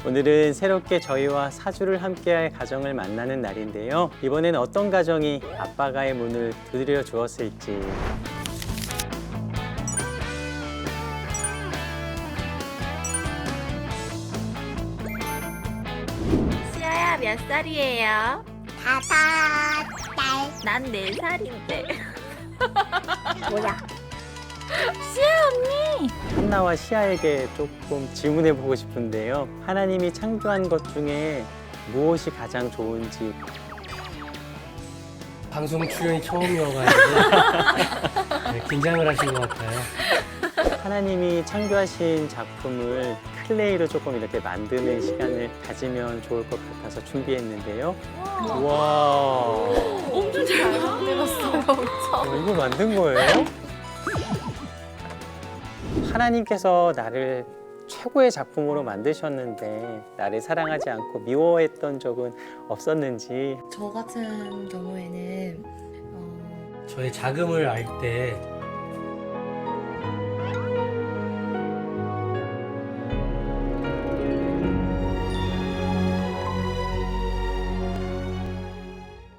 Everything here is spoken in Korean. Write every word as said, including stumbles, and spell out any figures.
오늘은 새롭게 저희와 사주를 함께할 가정을 만나는 날인데요. 이번엔 어떤 가정이 아빠가의 문을 두드려 주었을지. 시아야 몇 살이에요? 다섯 달. 난 네 살인데. 뭐야? 한나와 시아에게 조금 질문해보고 싶은데요. 하나님이 창조한 것 중에 무엇이 가장 좋은지. 방송 출연이 처음이어가지고 네, 긴장을 하신 것 같아요. 하나님이 창조하신 작품을 클레이로 조금 이렇게 만드는 시간을 가지면 좋을 것 같아서 준비했는데요. 와, 엄청 잘 만들었어요. 어, 이거 만든 거예요? 하나님께서 나를 최고의 작품으로 만드셨는데 나를 사랑하지 않고 미워했던 적은 없었는지. 저 같은 경우에는 어, 저의 자금을 알 때